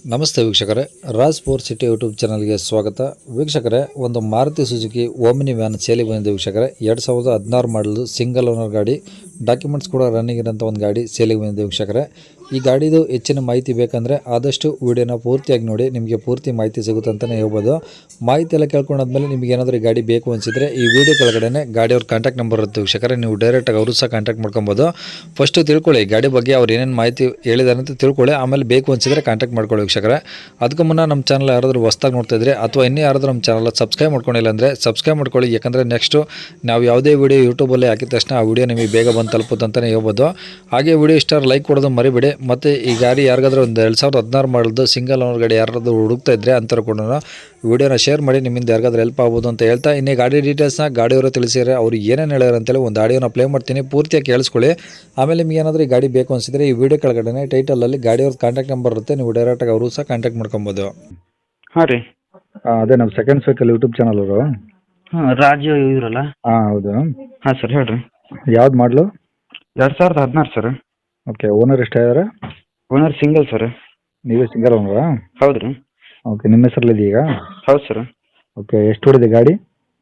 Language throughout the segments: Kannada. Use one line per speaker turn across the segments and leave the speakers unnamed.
ನಮಸ್ತೆ ವೀಕ್ಷಕರೇ, ರಾಜ್ ಸ್ಪೋರ್ಟ್ಸ್ ಸಿಟಿ ಯೂಟ್ಯೂಬ್ ಚಾನಲ್ಗೆ ಸ್ವಾಗತ. ವೀಕ್ಷಕರೇ, ಒಂದು ಮಾರುತಿ ಸುಜುಕಿ ಓಮಿನಿ ವ್ಯಾನ್ ಸೇಲಿಗೆ ಬಂದಿದೆ ವೀಕ್ಷಕರೇ. 2016 ಮಾಡಲು ಸಿಂಗಲ್ ಓನರ್ ಗಾಡಿ, ಡಾಕ್ಯುಮೆಂಟ್ಸ್ ಕೂಡ ರನ್ನಿಂಗ್ ಇರೋಂಥ ಒಂದು ಗಾಡಿ ಸೇಲಿಗೆ ಬಂದಿದೆ ವೀಕ್ಷಕರೇ. ಈ ಗಾಡಿದು ಹೆಚ್ಚಿನ ಮಾಹಿತಿ ಬೇಕಂದರೆ ಆದಷ್ಟು ವಿಡಿಯೋನ ಪೂರ್ತಿಯಾಗಿ ನೋಡಿ, ನಿಮಗೆ ಪೂರ್ತಿ ಮಾಹಿತಿ ಸಿಗುತ್ತೆ ಅಂತಲೇ ಹೇಳ್ಬೋದು. ಮಾಹಿತಿ ಎಲ್ಲ ಕೇಳ್ಕೊಂಡಾದ್ಮೇಲೆ ನಿಮಗೆ ಏನಾದರೂ ಈ ಗಾಡಿ ಬೇಕು ಅನಿಸಿದರೆ ಈ ವಿಡಿಯೋ ಕೆಳಗಡೆ ಗಾಡಿಯವ್ರ ಕಾಂಟ್ಯಾಕ್ಟ್ ನಂಬರ್ ಇರುತ್ತೆ ವೀಕ್ಷಕರೇ, ನೀವು ಡೈರೆಕ್ಟಾಗಿ ಅವರು ಸಹ ಕಾಂಟ್ಯಾಕ್ಟ್ ಮಾಡ್ಕೊಬೋದು. ಫಸ್ಟು ತಿಳ್ಕೊಳ್ಳಿ ಗಾಡಿ ಬಗ್ಗೆ ಅವ್ರು ಏನೇನು ಮಾಹಿತಿ ಹೇಳಿದಾರೆ ಅಂತ ತಿಳ್ಕೊಳ್ಳಿ, ಆಮೇಲೆ ಬೇಕು ಅನಿಸಿದರೆ ಕಾಂಟ್ಯಾಕ್ಟ್ ಮಾಡ್ಕೊಳ್ಳಿ ವೀಕ್ಷಕರೇ. ಅದಕ್ಕೂ ಮುನ್ನ ನಮ್ಮ ಚಾನಲ್ ಯಾರಾದರೂ ಹೊಸ್ದಾಗಿ ನೋಡ್ತಾ ಇದ್ರೆ ಅಥವಾ ಇನ್ನೂ ಯಾರಾದರೂ ನಮ್ಮ ಚಾನಲ್ ಸಬ್ಸ್ಕ್ರೈಬ್ ಮಾಡ್ಕೊಂಡಿಲ್ಲ ಅಂದರೆ ಸಬ್ಸ್ಕ್ರೈಬ್ ಮಾಡ್ಕೊಳ್ಳಿ. ಯಾಕಂದರೆ ನೆಕ್ಸ್ಟು ನಾವು ಯಾವುದೇ ವೀಡಿಯೋ ಯೂಟ್ಯೂಬಲ್ಲಿ ಹಾಕಿದ ತಕ್ಷಣ ಆ ವಿಡಿಯೋ ನಿಮಗೆ ಬೇಗ ಬಂದು ತಲುಪುತ್ತೆ ಅಂತಲೇ ಹೇಳ್ಬೋದು. ಹಾಗೆ ವಿಡಿಯೋ ಇಷ್ಟ ಲೈಕ್ ಕೊಡೋದು ಮರಿಬೇಡಿ. ಮತ್ತು ಈ ಗಾಡಿ ಯಾರಿಗಾದ್ರೂ ಒಂದು 2016 ಮಾಡಲು ಸಿಂಗಲ್ ಓನರ್ ಗಾಡಿ ಯಾರಾದರೂ ಹುಡುಕ್ತಾ ಇದ್ದರೆ ಅಂಥವ್ರು ಕೂಡ ವಿಡಿಯೋನ ಶೇರ್ ಮಾಡಿ, ನಿಮ್ಮಿಂದ ಯಾರಿಗಾದ್ರೂ ಹೆಲ್ಪ್ ಆಗ್ಬೋದು ಅಂತ ಹೇಳ್ತಾ, ಇನ್ನೇ ಗಾಡಿ ಡೀಟೇಲ್ಸ್ನ ಗಾಡಿಯವರು ತಿಳಿಸಿದರೆ ಅವ್ರು ಏನೇನು ಹೇಳ್ಯಾರ ಅಂತೇಳಿ ಒಂದು ಆಡಿಯೋನ ಪ್ಲೇ ಮಾಡ್ತೀನಿ, ಪೂರ್ತಿಯಾಗಿ ಕೇಳಿಸ್ಕೊಳ್ಳಿ. ಆಮೇಲೆ ನಿಮಗೆ ಏನಾದರೂ ಈ ಗಾಡಿ ಬೇಕು ಅನಿಸಿದರೆ ಈ ವಿಡಿಯೋ ಕೆಳಗಡೆ ಟೈಟಲಲ್ಲಿ ಗಾಡಿಯವ್ರ ಕಾಂಟ್ಯಾಕ್ಟ್ ನಂಬರ್ ಇರುತ್ತೆ, ನೀವು ಡೈರೆಕ್ಟಾಗಿ ಅವರು ಸಹ ಕಾಂಟ್ಯಾಕ್ಟ್ ಮಾಡ್ಕೊಬೋದು.
ಹಾಂ ರೀ.
ಅದೇ ನಮ್ಮ ಸೆಕೆಂಡ್ ಸೈಕಲ್ ಯೂಟ್ಯೂಬ್ ಚಾನಲ್ ಅವರು.
ಹಾಂ, ರಾಜು ಇದ್ರಲ್ಲ.
ಹಾಂ ಹೌದು.
ಹಾಂ ಸರ್, ಹೇಳ್ರಿ.
ಯಾವ್ದು ಮಾಡಲು?
2016 ಸರ್.
ಓಕೆ, ಓನರ್ ಎಷ್ಟಾಗಿದ್ದಾರೆ?
Owner single sir.
ನೀವೇ ಸಿಂಗಲ್ ಓನರಾ?
ಹೌದು ರೀ.
ಓಕೆ, ನಿಮ್ಮ ಹೆಸರಲ್ಲಿ ಈಗ?
ಹೌದು ಸರ್.
ಓಕೆ, ಎಷ್ಟು ಹೊಡಿದೆ ಗಾಡಿ?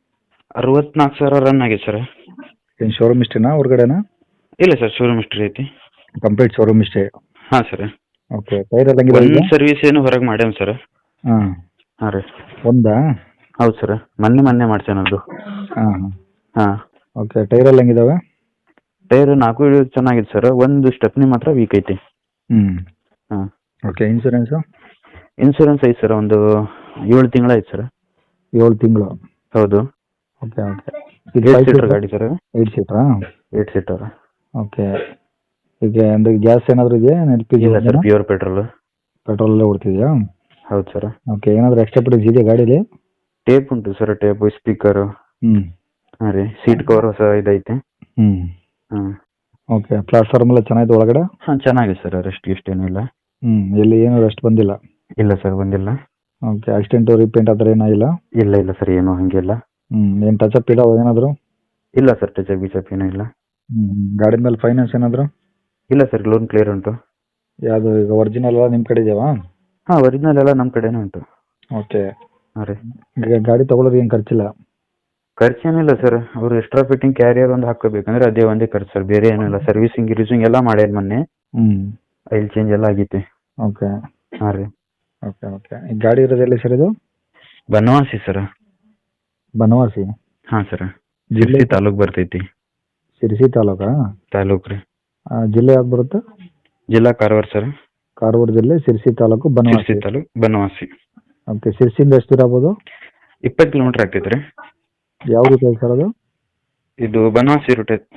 64,000 ರನ್ ಆಗಿದೆ ಸರ್.
ಏನು ಶೋರೂಮ್ ಇಷ್ಟೇನಾ ಹೊರಗಡೆನಾ?
ಇಲ್ಲ ಸರ್, ಶೋರೂಮ್ ಹಿಸ್ಟ್ರಿ ಐತಿ.
ಕಂಪ್ಲೀಟ್ ಶೋರೂಮ್ ಇಷ್ಟೇ?
ಹಾಂ ಸರ್.
ಓಕೆ, ಟೈರ್ ಎಲ್ಲ
ಒಂದು ಸರ್ವಿಸ್ ಏನು ಹೊರಗೆ ಮಾಡ್ಯಾನ ಸರ್.
ಹಾಂ
ಹಾಂ ರೀ.
ಒಂದಾ?
ಹೌದು ಸರ್, ಮೊನ್ನೆ ಮಾಡ್ಸೇನ ಅದು.
ಹಾಂ
ಹಾಂ.
ಓಕೆ, ಟೈರ್ ಎಲ್ಲ ಹೆಂಗಿದಾವೆ?
ಟೈರ್ 4 ಚೆನ್ನಾಗಿದೆ ಸರ್, ಒಂದು ಸ್ಟೆಪ್ನಿ ಮಾತ್ರ ವೀಕ್ ಐತಿ. ಹಾಂ.
Okay, insurance?
ಇನ್ಸೂರೆನ್ಸ್ ಐತೆ ಸರ್, ಒಂದು 7 ತಿಂಗಳು ಐತೆ ಸರ್.
7 ತಿಂಗಳು?
ಹೌದು.
Okay okay.
8 ಸೀಟರ್ ಗಾಡಿ ಸರ್.
8 ಸೀಟ್ರಾ?
8 ಸೀಟರ್.
ಓಕೆ. ಈಗ ಅಂದ್ರೆ ಗ್ಯಾಸ್ ಏನಾದರೂ ಇದೆಯಾ? LPG?
ಇಲ್ಲ ಸರ್, ಪ್ಯೂರ್ ಪೆಟ್ರೋಲ್.
ಪೆಟ್ರೋಲಲ್ಲೇ ಓಡ್ತಿದೆಯಾ?
ಹೌದು ಸರ್.
ಓಕೆ, ಏನಾದರೂ ಎಕ್ಸ್ಟ್ರಾ ಫಿಟ್ಟಿಂಗ್ಸ್ ಇದೆಯಾ ಗಾಡೀಲಿ?
ಟೇಪ್ ಉಂಟು ಸರ್, ಟೇಪು, ಸ್ಪೀಕರು. ಹಾಂ ರೀ, ಸೀಟ್ ಕವರ್ ಹೊಸ ಇದೈತೆ. ಹಾಂ.
ಓಕೆ, ಪ್ಲಾಟ್ಫಾರ್ಮ್ ಎಲ್ಲ ಚೆನ್ನಾಗಿದೆ ಒಳಗಡೆ?
ಹಾಂ, ಚೆನ್ನಾಗಿದೆ ಸರ್, ರೆಸ್ಟ್ ಏನಿಲ್ಲ.
ಎಲ್ಲಿ ಏನು ರೆಸ್ಟ್ ಬಂದಿಲ್ಲ?
ಇಲ್ಲ ಸರ್, ಬಂದಿಲ್ಲ.
ಓಕೆ, ಆಕ್ಸಿಡೆಂಟು ರೀಪೇಂಟ್ ಆ ಥರ ಏನಾಗಿಲ್ಲ?
ಇಲ್ಲ ಸರ್, ಏನು ಹಂಗಿಲ್ಲ.
ಏನು ಟಚಪ್ ಇದಾವ ಏನಾದರೂ?
ಇಲ್ಲ ಸರ್, ಟಚಪ್ ಗಿಚಪ್ ಏನೂ ಇಲ್ಲ.
ಗಾಡಿ ಮೇಲೆ ಫೈನಾನ್ಸ್ ಏನಾದರೂ?
ಇಲ್ಲ ಸರ್, ಲೋನ್ ಕ್ಲಿಯರ್ ಉಂಟು.
ಯಾವುದು ಈಗ ಒರಿಜಿನಲ್ ಎಲ್ಲ ನಿಮ್ಮ ಕಡೆ ಇದೆಯಾ?
ಹಾಂ, ಒರಿಜಿನಲ್ ಎಲ್ಲ ನಮ್ಮ ಕಡೆನೇ ಉಂಟು.
ಓಕೆ.
ಹಾಂ ರೀ.
ಈಗ ಗಾಡಿ ತೊಗೊಳೋದು ಏನು ಖರ್ಚಿಲ್ಲ?
ಖರ್ಚೇನಿಲ್ಲ ಸರ್, ಅವರು ಎಕ್ಸ್ಟ್ರಾ ಫಿಟ್ಟಿಂಗ್ ಕ್ಯಾರಿಯರ್ ಒಂದು ಹಾಕೋಬೇಕಂದ್ರೆ ಅದೇ ಒಂದೇ ಖರ್ಚು ಸರ್, ಬೇರೆ ಏನಿಲ್ಲ. ಸರ್ವಿಸಿಂಗ್ ಗಿರ್ವಿಸಿಂಗ್ ಎಲ್ಲ ಮಾಡ್ಯಾರ ಮೊನ್ನೆ. ಆಯಿಲ್ ಚೇಂಜ್ ಎಲ್ಲ ಆಗೈತಿ.
ಓಕೆ.
ಹಾಂ ರೀ.
Okay okay. ಈ ಗಾಡಿ ಇರೋದು ಎಲ್ಲಿ ಸರ್ ಇದು?
ಬನವಾಸಿ ಸರ್.
ಬನವಾಸಿ?
ಹಾಂ ಸರ್, ಜಿಲ್ಲೆ ತಾಲೂಕು ಬರ್ತೈತಿ.
ಶಿರಸಿ ತಾಲೂಕಾ?
ತಾಲೂಕು ರೀ.
ಜಿಲ್ಲೆ ಯಾವ್ದು ಬರುತ್ತೆ?
ಜಿಲ್ಲಾ ಕಾರವಾರ ಸರ್.
ಕಾರವಾರ ಜಿಲ್ಲೆ, ಶಿರಸಿ ತಾಲೂಕು, ಬನವಾಸಿ?
ಶಿರಸಿ ತಾಲೂಕು, ಬನವಾಸಿ.
ಓಕೆ, ಶಿರಸಿಯಿಂದ ಎಷ್ಟು ದೂರ ಆಗ್ಬೋದು?
20 ಕಿಲೋಮೀಟ್ರ್ ಆಗ್ತೈತೆ ರೀ.
ಯಾವ ರೂಟ್ ಐತೆ ಸರ್ ಅದು?
ಇದು ಬನವಾಸಿ ರೂಟ್ ಐತೆ.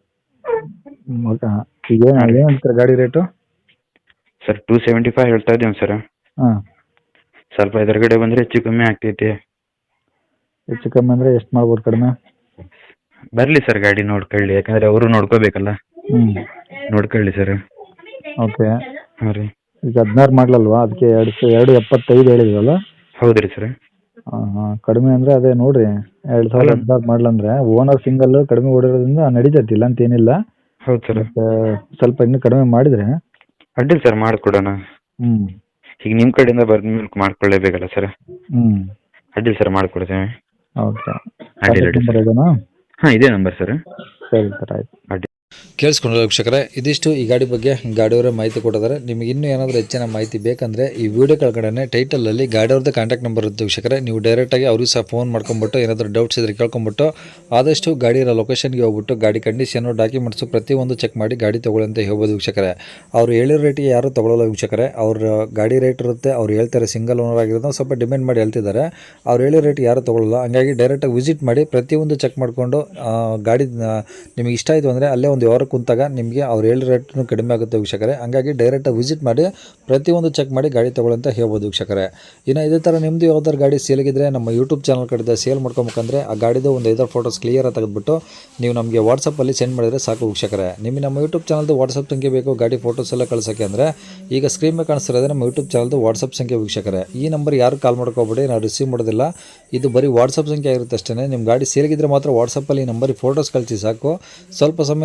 ಓಕೆ. ಈಗ ಏನು ಹೇಳ್ತಾರೆ ಗಾಡಿ ರೇಟು?
ಸರ್ 275 ಹೇಳ್ತಾ ಇದ್ದೀವಿ ಸರ್.
ಹಾಂ.
ಸ್ವಲ್ಪ ಎದುರುಗಡೆ ಬಂದರೆ ಹೆಚ್ಚು ಕಮ್ಮಿ ಆಗ್ತೈತಿ.
ಹೆಚ್ಚು ಕಮ್ಮಿ ಅಂದರೆ ಎಷ್ಟು ಮಾಡ್ಬೋದು ಕಡಿಮೆ?
ಬರಲಿ ಸರ್, ಗಾಡಿ ನೋಡ್ಕೊಳ್ಳಿ, ಯಾಕಂದರೆ ಅವರು ನೋಡ್ಕೋಬೇಕಲ್ಲ. ನೋಡ್ಕೊಳ್ಳಿ ಸರ್.
ಓಕೆ.
ಹಾಂ ರೀ.
ಈಗ 16 ಮಾಡಲಲ್ವಾ, ಅದಕ್ಕೆ 275 ಹೇಳಿದ್ರಲ್ಲ?
ಹೌದು ರೀ ಸರ್.
ಹಾಂ, ಕಡಿಮೆ ಅಂದರೆ ಅದೇ ನೋಡಿರಿ, 2016 ಮಾಡಲಂದ್ರೆ ಓನರ್ ಸಿಂಗಲ್ ಕಡಿಮೆ ಓಡಿರೋದ್ರಿಂದ ನಡೀತೈತಿ, ಇಲ್ಲ ಅಂತ ಏನಿಲ್ಲ.
ಹೌದು ಸರ್.
ಸ್ವಲ್ಪ ಇನ್ನೂ ಕಡಿಮೆ ಮಾಡಿದರೆ
ಅಡ್ಡಿಲ್ಲ ಸರ್, ಮಾಡಿಕೊಡೋಣ. ಈಗ ನಿಮ್ಮ ಕಡೆಯಿಂದ ಬಂದ ಮೇಲೆ ಮಾಡ್ಕೊಳ್ಳೇಬೇಕಲ್ಲ ಸರ್. ಅಡ್ಡಿಲ್ಲ ಸರ್, ಮಾಡಿಕೊಡ್ತೇವೆ.
ಓಕೆ.
ಅಡ್ಡಿಲ್ಲ. ಹಾಂ, ಇದೇ ನಂಬರ್ ಸರ್.
ಸರಿ ಸರ್, ಆಯ್ತು.
ಅಡ್ಡಿ
ಕೇಳಿಸ್ಕೊಂಡ್ರೆ ವೀಕ್ಷಕರೇ, ಇದಿಷ್ಟು ಈ ಗಾಡಿ ಬಗ್ಗೆ ಗಾಡಿಯವರೇ ಮಾಹಿತಿ ಕೊಟ್ಟಿದ್ದಾರೆ. ನಿಮಗೆ ಇನ್ನೂ ಏನಾದರೂ ಹೆಚ್ಚಿನ ಮಾಹಿತಿ ಬೇಕಂದರೆ ಈ ವಿಡಿಯೋ ಕೆಳಗಡೆ ಟೈಟಲಲ್ಲಿ ಗಾಡಿಯವ್ರದ್ದು ಕಾಂಟ್ಯಾಕ್ಟ್ ನಂಬರ್ ಇರುತ್ತೆ ವೀಕ್ಷಕರೇ, ನೀವು ಡೈರೆಕ್ಟಾಗಿ ಅವ್ರಿಗೆ ಸಹ ಫೋನ್ ಮಾಡ್ಕೊಂಬಿಟ್ಟು ಏನಾದರೂ ಡೌಟ್ಸ್ ಇದ್ದರೆ ಕೇಳ್ಕೊಂಬಿಟ್ಟು ಆದಷ್ಟು ಗಾಡಿಯ ಲೊಕೇಶನ್ಗೆ ಹೋಗ್ಬಿಟ್ಟು ಗಾಡಿ ಕಂಡೀಷನು, ಡಾಕ್ಯುಮೆಂಟ್ಸು ಪ್ರತಿಯೊಂದು ಚೆಕ್ ಮಾಡಿ ಗಾಡಿ ತೊಗೊಳ್ಳಿ ಅಂತ ಹೇಳ್ಬೋದು ವೀಕ್ಷಕರೇ. ಅವ್ರು ಹೇಳಿರೋ ರೇಟಿಗೆ ಯಾರೂ ತೊಗೊಳ್ಳಲ್ಲ ವೀಕ್ಷಕರೇ. ಅವ್ರ ಗಾಡಿ ರೇಟ್ ಇರುತ್ತೆ, ಅವ್ರು ಹೇಳ್ತಾರೆ ಸಿಂಗಲ್ ಓನರ್ ಆಗಿರೋದು ಸ್ವಲ್ಪ ಡಿಮ್ಯಾಂಡ್ ಮಾಡಿ ಹೇಳ್ತಿದ್ದಾರೆ. ಅವ್ರು ಹೇಳಿರೋ ರೇಟಿಗೆ ಯಾರೂ ತೊಗೊಳ್ಳಲ್ಲ. ಹಂಗಾಗಿ ಡೈರೆಕ್ಟಾಗಿ ವಿಸಿಟ್ ಮಾಡಿ ಪ್ರತಿಯೊಂದು ಚೆಕ್ ಮಾಡಿಕೊಂಡು ಗಾಡಿ ನಿಮಗೆ ಇಷ್ಟ ಆಯಿತು ಅಂದರೆ ಅಲ್ಲೇ ಒಂದು ವ್ಯವಹಾರ ಕುಂತಾಗ ನಿಮಗೆ ಅವ್ರು ಹೇಳಿರೋ ರೇಟ್ನು ಕಡಿಮೆ ಆಗುತ್ತೆ ವೀಕ್ಷಕರೇ. ಹಂಗಾಗಿ ಡೈರೆಕ್ಟಾಗಿ ವಿಸಿಟ್ ಮಾಡಿ ಪ್ರತಿಯೊಂದು ಚೆಕ್ ಮಾಡಿ ಗಾಡಿ ತೊಗೊಳ್ಳಂತ ಹೇಳ್ಬೋದು ವೀಕ್ಷಕರೇ. ಇನ್ನು ಇದೇ ಥರ ನಿಮ್ಮದು ಯಾವ್ದಾದ್ರು ಗಾಡಿ ಸೇಲಿಗಿದ್ರೆ ನಮ್ಮ ಯೂಟ್ಯೂಬ್ ಚಾನಲ್ ಕಡೆದ ಸೇಲ್ ಮಾಡ್ಕೊಬೇಕಂದ್ರೆ ಆ ಗಾಡಿದು ಒಂದು 5 ಫೋಟೋಸ್ ಕ್ಲಿಯರಾಗಿ ತೆಗೆದುಬಿಟ್ಟು ನೀವು ನಮಗೆ ವಾಟ್ಸಪ್ಪಲ್ಲಿ ಸೆಂಡ್ ಮಾಡಿದರೆ ಸಾಕು ವೀಕ್ಷಕರೇ. ನಿಮಗೆ ನಮ್ಮ ಯೂಟ್ಯೂಬ್ ಚಾನಲ್ದು ವಾಟ್ಸಪ್ ಸಂಖ್ಯೆ ಬೇಕು ಗಾಡಿ ಫೋಟೋಸ್ ಎಲ್ಲ ಕಳ್ಸೋಕ್ಕೆ ಅಂದರೆ ಈಗ ಸ್ಕ್ರೀನ್ ಮೇಲೆ ಕಾಣಿಸ್ತಿರೋದೇ ನಮ್ಮ ಯೂಟ್ಯೂಬ್ ಚಾನಲ್ದು ವಾಟ್ಸಪ್ ಸಂಖ್ಯೆ ವೀಕ್ಷಕರೇ. ಈ ನಂಬರ್ ಯಾರು ಕಾಲ್ ಮಾಡ್ಕೋಬೇಡಿ, ನಾವು ರಿಸೀವ್ ಮಾಡೋದಿಲ್ಲ. ಇದು ಬರೀ ವಾಟ್ಸಪ್ ಸಂಖ್ಯೆ ಆಗಿರುತ್ತೆ ಅಷ್ಟೇ. ನಿಮ್ಮ ಗಾಡಿ ಸೇಲಿಗಿದ್ರೆ ಮಾತ್ರ ವಾಟ್ಸಪ್ಪಲ್ಲಿ ಈ ನಂಬರಿಗೆ ಫೋಟೋಸ್ ಕಳಿಸಿ ಸಾಕು. ಸ್ವಲ್ಪ ಸಮಯ ನಂತರ ನಾವೇ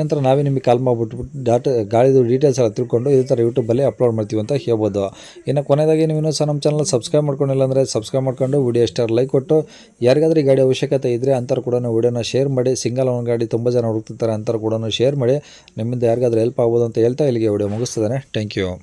ನಿಮಗೆ ಕಾಲ್ ಮಾಡಿಬಿಟ್ಟು ಗಾಡಿದು ಡೀಟೇಲ್ಸ್ ಎಲ್ಲ ತಿಳ್ಕೊಂಡು ಇದೇ ಥರ ಯೂಟ್ಯೂಬಲ್ಲಿ ಅಪ್ಲೋಡ್ ಮಾಡ್ತೀವಿ ಅಂತ ಹೇಳ್ಬೋದು. ಇನ್ನು ಕೊನೆಯದಾಗಿ ನೀವು ಇನ್ನೂ ಸಹ ನಮ್ಮ ಚಾನಲ್ ಸಬ್ಸ್ಕ್ರೈಬ್ ಮಾಡ್ಕೊಂಡಿಲ್ಲ ಅಂದರೆ ಸಬ್ಸ್ಕ್ರೈಬ್ ಮಾಡ್ಕೊಂಡು ವಿಡಿಯೋ ಇಷ್ಟ ಲೈಕ್ ಕೊಟ್ಟು ಯಾರಿಗಾದ್ರೂ ಈ ಗಾಡಿ ಅವಶ್ಯಕತೆ ಇದ್ದರೆ ಅಂಥವ್ರು ಕೂಡ ವಿಡಿಯೋನ ಶೇರ್ ಮಾಡಿ. ಸಿಂಗಲ್ ಓನ್ ಗಾಡಿ ತುಂಬ ಜನ ಹುಡುಕ್ತಿರ್ತಾರೆ, ಅಂಥವ್ರು ಕೂಡ ಶೇರ್ ಮಾಡಿ. ನಿಮ್ಮಿಂದ ಯಾರಿಗಾದ್ರೂ ಹೆಲ್ಪ್ ಆಗ್ಬೋದು ಅಂತ ಹೇಳ್ತಾ ಇಲ್ಲಿಗೆ ವಿಡಿಯೋ ಮುಗಿಸ್ತದೆ. Thank you.